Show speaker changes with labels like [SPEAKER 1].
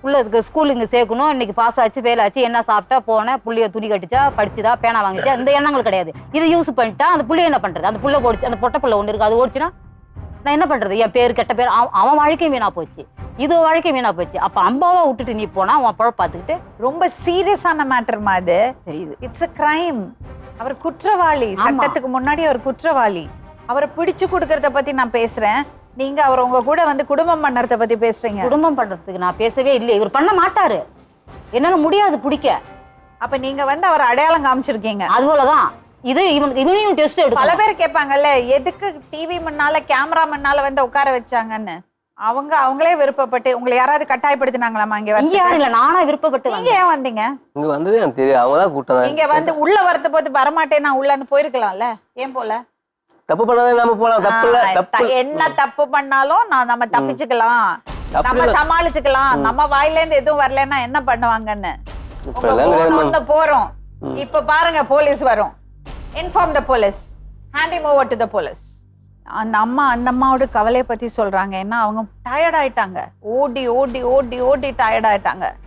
[SPEAKER 1] புள்ள ஸ்கூலுக்கு இங்கே சேர்க்கணும், இன்னைக்கு பாஸ் ஆச்சு, ஃபெயில் ஆச்சு, என்ன சாப்பிட்டா போனேன், புள்ளைய துணி கட்டிச்சா, படிச்சுதா, பேனா வாங்கிச்சா, இந்த எண்ணங்கள் கிடையாது. இது யூஸ் பண்ணிட்டா அந்த புள்ளைய என்ன பண்றது? அந்த புள்ள ஓடிச்சு, அந்த பொட்டை புள்ள ஒன்று இருக்கு, அது ஓடிச்சுன்னா நான் என்ன பண்றது? என் பேர் கெட்ட பேர், அவன் வாழ்க்கையும் வீணா போச்சு, இது வாழ்க்கையும் வீணா போச்சு. அப்ப அம்பாவை விட்டுட்டு நீ போனா உன் பழம் பார்த்துக்கிட்டு.
[SPEAKER 2] ரொம்ப சீரியஸான மேட்டர்மா அது.
[SPEAKER 1] தெரியுது,
[SPEAKER 2] இட்ஸ் a crime. அவர் குற்றவாளி, சட்டத்துக்கு முன்னாடி அவர் குற்றவாளி. அவரை பிடிச்சு கொடுக்கறத பத்தி நான் பேசுறேன், நீங்க அவர் உங்க கூட வந்து குடும்பம் பண்ணறத பத்தி பேசுறீங்க.
[SPEAKER 1] குடும்பம் பண்றதுக்கு நான் பேசவே இல்லை. இவர் பண்ண மாட்டாரு, என்னால முடியாது பிடிக்க.
[SPEAKER 2] அப்ப நீங்க வந்து அவர் அடையாளம் காமிச்சிருக்கீங்க.
[SPEAKER 1] அது போலதான் இது. இவனையும் டெஸ்ட் எடுக்கும்.
[SPEAKER 2] பல பேர் கேட்பாங்கல்ல, எதுக்கு டிவி முன்னால கேமரா முன்னால வந்து உட்கார வச்சாங்கன்னு. அவங்களே விருப்பப்பட்டு, உங்களை யாராவது கட்டாயப்படுத்தினாங்களாமா? இங்க
[SPEAKER 1] யாரும் இல்ல, நானா விருப்பப்பட்டு.
[SPEAKER 2] நீங்க ஏன் வந்தீங்க?
[SPEAKER 3] இங்க வந்ததே எனக்கு தெரியும், அவங்கதான் கூட்டம்.
[SPEAKER 2] நீங்க வந்து உள்ள வரத போது வரமாட்டேன் நான் உள்ளன்னு போயிருக்கலாம்ல, ஏன் போல?
[SPEAKER 3] தப்பு பண்ணாதே நாம போலாம், தப்பு இல்ல. தப்பு
[SPEAKER 2] என்ன தப்பு பண்ணாலும் நம்ம தப்பிச்சுக்கலாம், நம்ம சமாளிச்சுக்கலாம். நம்ம வாயில இருந்து எதுவும் வரலன்னா என்ன பண்ணுவாங்கன்னு போறோம். இப்ப பாருங்க, போலீஸ் வரும். Inform the police, hand him over to the police. அந்த அம்மாவோட கவலையை பத்தி சொல்றாங்க. ஏன்னா அவங்க டயர்ட் ஆயிட்டாங்க, ஓடி ஓடி ஓடி ஓடி டயர்ட் ஆயிட்டாங்க.